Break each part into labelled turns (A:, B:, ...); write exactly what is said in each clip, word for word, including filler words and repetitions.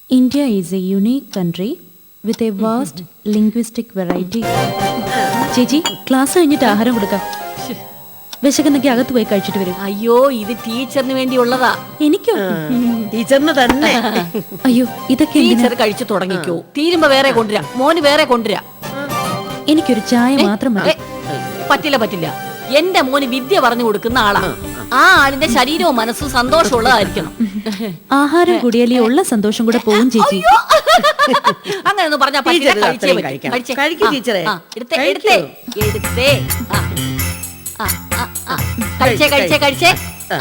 A: India is a unique country with a vast linguistic variety. ചേച്ചി class കഴിഞ്ഞിട്ട് ആഹാരം കൊടുക്കാം. വിശക്കുന്നൊക്കെ അകത്ത് പോയി കഴിച്ചിട്ട് വരും.
B: അയ്യോ ഇത് ടീച്ചറിന് വേണ്ടിയുള്ളതാ.
A: എനിക്കോ?
B: ടീച്ചറിന് തന്നെ.
A: അയ്യോ ഇതൊക്കെ
B: ടീച്ചർ കഴിച്ചു തുടങ്ങിക്കോ. തീരുമ്പോ വേറെ കൊണ്ടുവരാം. മോന് വേറെ കൊണ്ടുവരാം.
A: എനിക്കൊരു ചായ മാത്രം മതി.
B: പറ്റില്ല പറ്റില്ല. എന്റെ മോന് വിദ്യ പറഞ്ഞു കൊടുക്കുന്ന ആളാ. ആ ആളിന്റെ ശരീരവും മനസ്സും സന്തോഷമുള്ളതായിരിക്കണം.
A: ആഹാരം കൂടിയാലേ ഉള്ള സന്തോഷം കൂടെ പോകും ചേച്ചി.
B: അങ്ങനെ ഒന്നും പറഞ്ഞാ കഴിച്ചേ കഴിച്ചേ കഴിച്ചേ.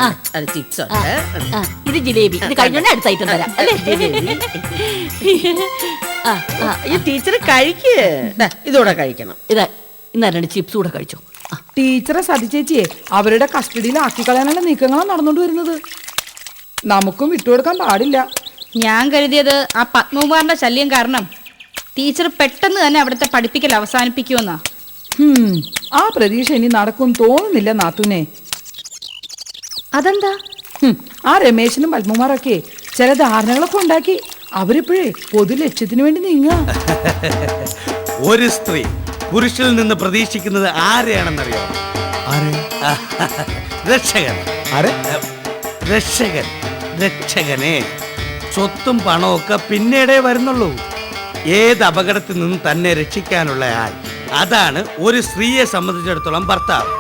B: ഇത് ജിലേബി. ഇത് കഴിഞ്ഞോണ്ട് അടുത്ത ഐറ്റം തരാം അല്ലേ?
C: ഈ ടീച്ചർ കഴിക്കേ ഇതോടെ കഴിക്കണം.
B: ഇതാ ഇന്നാ രണ്ട് ചിപ്സ് കൂടെ കഴിച്ചോ.
D: ടീച്ചറെ സതിച്ചേച്ചിയെ അവരുടെ കസ്റ്റഡിയിൽ ആക്കിക്കളയാനുള്ള നീക്കങ്ങളാണ് നടന്നുകൊണ്ട് വരുന്നത്. നമുക്കും വിട്ടുകൊടുക്കാൻ പാടില്ല.
E: ഞാൻ കരുതിയത് ആ പത്മകുമാറിന്റെ ശല്യം കാരണം ടീച്ചർ പെട്ടെന്ന് തന്നെ അവിടുത്തെ പഠിപ്പിക്കൽ അവസാനിപ്പിക്കുമെന്നാ.
D: ആ പ്രതീക്ഷ ഇനി നടക്കും തോന്നുന്നില്ല നാത്തൂനെ.
E: അതെന്താ?
D: ആ രമേശനും പത്മകുമാറൊക്കെ ചില ധാരണകളൊക്കെ ഉണ്ടാക്കി അവരിപ്പോഴേ പൊതു ലക്ഷ്യത്തിന് വേണ്ടി നീങ്ങ.
F: ഒരു സ്ത്രീ പുരുഷനിൽ നിന്ന് പ്രതീക്ഷിക്കുന്നത് ആരെയാണെന്നറിയോ? രക്ഷകൻ. രക്ഷകൻ രക്ഷകനെ. സ്വത്തും പണവും ഒക്കെ പിന്നീടേ വരുന്നുള്ളൂ. ഏത് അപകടത്തിൽ നിന്നും തന്നെ രക്ഷിക്കാനുള്ള ആൾ, അതാണ് ഒരു സ്ത്രീയെ സംബന്ധിച്ചിടത്തോളം ഭർത്താവ്.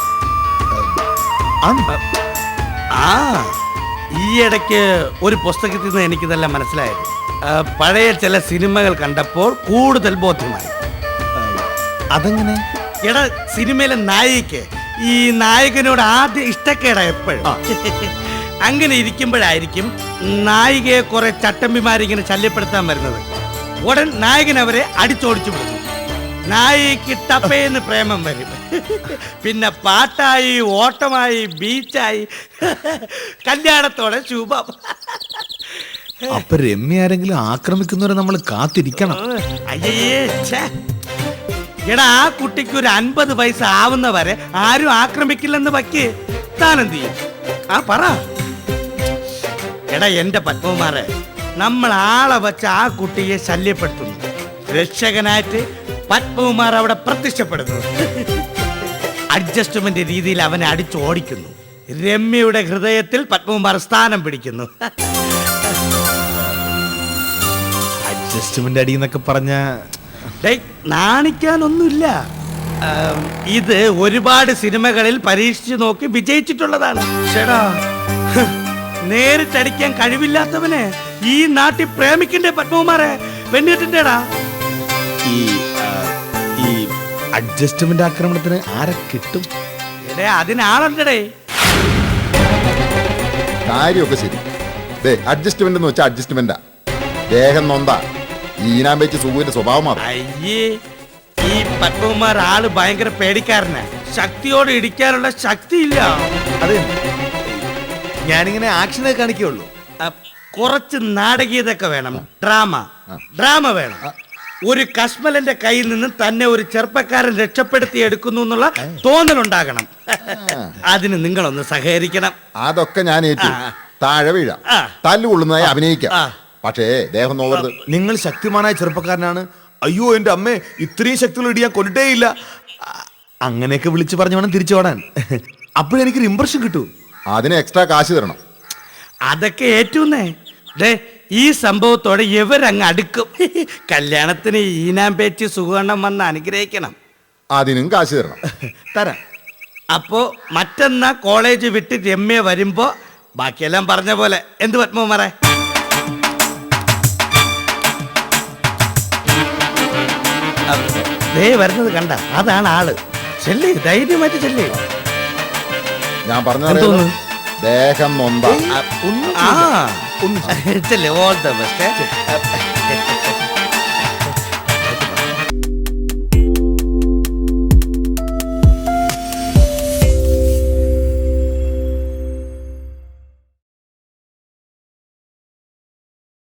F: ആ ഈയിടയ്ക്ക് ഒരു പുസ്തകത്തിൽ നിന്ന് എനിക്കിതെല്ലാം മനസ്സിലായത്. പഴയ ചില സിനിമകൾ കണ്ടപ്പോൾ കൂടുതൽ ബോധ്യമായി.
G: അതെങ്ങനെ?
F: എടാ സിനിമയിലെ നായികക്ക് ഈ നായകനോട് ആദ്യം ഇഷ്ടക്കേടാ എപ്പോഴും. അങ്ങനെ ഇരിക്കുമ്പോഴായിരിക്കും നായികയെ കുറെ ചട്ടമ്പിമാരിങ്ങനെ ശല്യപ്പെടുത്താൻ വരുന്നത്. ഉടൻ നായകൻ അവരെ അടിച്ചോടിച്ചു വിടുന്നു. നായികക്ക് ടപ്പേന്ന് പ്രേമം വരും. പിന്നെ പാട്ടായി, ഓട്ടമായി, ബീച്ചായി, കല്യാണത്തോടെ ശുഭം.
G: അപ്പൊ രമ്യ ആരെങ്കിലും ആക്രമിക്കുന്നവരെ നമ്മൾ കാത്തിരിക്കണം.
F: അയ്യേ എടാ ആ കുട്ടിക്ക് ഒരു അൻപത് വയസ്സ് ആവുന്നവരെ ആരും ആക്രമിക്കില്ലെന്ന് വയ്ക്ക്. താനെന്ത് ചെയ്യും? ആ പറ. എടാ എന്റെ പത്മകുമാറെ, നമ്മൾ ആളെ വച്ച് ആ കുട്ടിയെ ശല്യപ്പെടുത്തുന്നു. രക്ഷകനായിട്ട് പത്മകുമാർ അവിടെ പ്രത്യക്ഷപ്പെടുന്നു. അഡ്ജസ്റ്റ്മെന്റ് രീതിയിൽ അവനെ അടിച്ചോടിക്കുന്നു. രമ്യയുടെ ഹൃദയത്തിൽ പത്മകുമാർ സ്ഥാനം പിടിക്കുന്നു.
G: അഡ്ജസ്റ്റ്മെന്റ് അടി എന്നൊക്കെ പറഞ്ഞ
F: നാണിക്കാനൊന്നുമില്ല. ഇത് ഒരുപാട് സിനിമകളിൽ പരീക്ഷിച്ചു നോക്കി വിജയിച്ചിട്ടുള്ളതാണ്. ചേടാ നേരിട്ടടിക്കാൻ കഴിവില്ലാത്തവനെ ഈ നാട്ടിൽ പ്രേമിക്കണ്ടേ പത്മകുമാറെ? പെണ്ണിട്ടിട്ടേടാ.
G: ഈ ഈ അഡ്ജസ്റ്റ്മെന്റ് ആക്രമണത്തിന് ആരെ കിട്ടും?
F: എടേ അതിനാളുണ്ടേ.
H: കാര്യമൊക്കെ ശരി. അഡ്ജസ്റ്റ്മെന്റ് എന്ന് വെച്ചാൽ അഡ്ജസ്റ്റ്മെന്റാ. ദേഹം നൊന്താ ഈനാൻ വെച്ച് സുഖുവിന്റെ സ്വഭാവം മാറും.
F: അയ്യേ ഈ പത്മകുമാർ ആള് ഭയങ്കര പേടിക്കാരനാ. ശക്തിയോട് ഇടിക്കാനുള്ള ശക്തിയില്ല.
G: അത് ഞാനിങ്ങനെ ആക്ഷനെ കാണിക്കുള്ളൂ.
F: കുറച്ച് നാടകീയതൊക്കെ വേണം. ഡ്രാമ ഡ്രാമ വേണം. ഒരു കശ്മലന്റെ കയ്യിൽ നിന്ന് തന്നെ ഒരു ചെറുപ്പക്കാരൻ രക്ഷപ്പെടുത്തി എടുക്കുന്നു എന്നുള്ള തോന്നലുണ്ടാകണം. അതിന് നിങ്ങളൊന്ന് സഹകരിക്കണം.
H: അതൊക്കെ ഞാൻ ഏറ്റു. താഴെ വീഴാം, തല്ലുകൊള്ളുന്നതായി അഭിനയിക്കാം. പക്ഷേ ദേഹം നോവരുത്.
G: നിങ്ങൾ ശക്തിമാനായ ചെറുപ്പക്കാരനാണ്. അയ്യോ എന്റെ അമ്മേ, ഇത്രയും ശക്തിയുള്ള ഇടിയാൻ കൊല്ലിട്ടേ ഇല്ല. അങ്ങനെയൊക്കെ വിളിച്ചു പറഞ്ഞു വേണം തിരിച്ചു ഓടാൻ. അപ്പോഴെനിക്കൊരു ഇംപ്രഷൻ കിട്ടൂ.
H: അതിന് എക്സ്ട്രാ കാശ് തരണം.
F: അതൊക്കെ ഏറ്റൂന്നേ. ഡേ ഈ സംഭവത്തോടെ ഇവരങ്ങ് അടുക്കും. കല്യാണത്തിന് ഈനാം പേച്ച് സുഖവണ്ണം വന്ന് അനുഗ്രഹിക്കണം.
H: അതിനും കാശ് തരണം.
F: തരാം. അപ്പോ മറ്റന്നാ കോളേജ് വിട്ട് രമ്യ വരുമ്പോ ബാക്കിയെല്ലാം പറഞ്ഞ പോലെ. എന്ത് പത്മകുമാറേ? ദേ വരുന്നത് കണ്ട, അതാണ് ആള്. ചെല്ലി ധൈര്യമായിട്ട് ചെല്ലി.
H: ഞാൻ പറഞ്ഞ ദേഹം നൊന്താ.
F: All the best.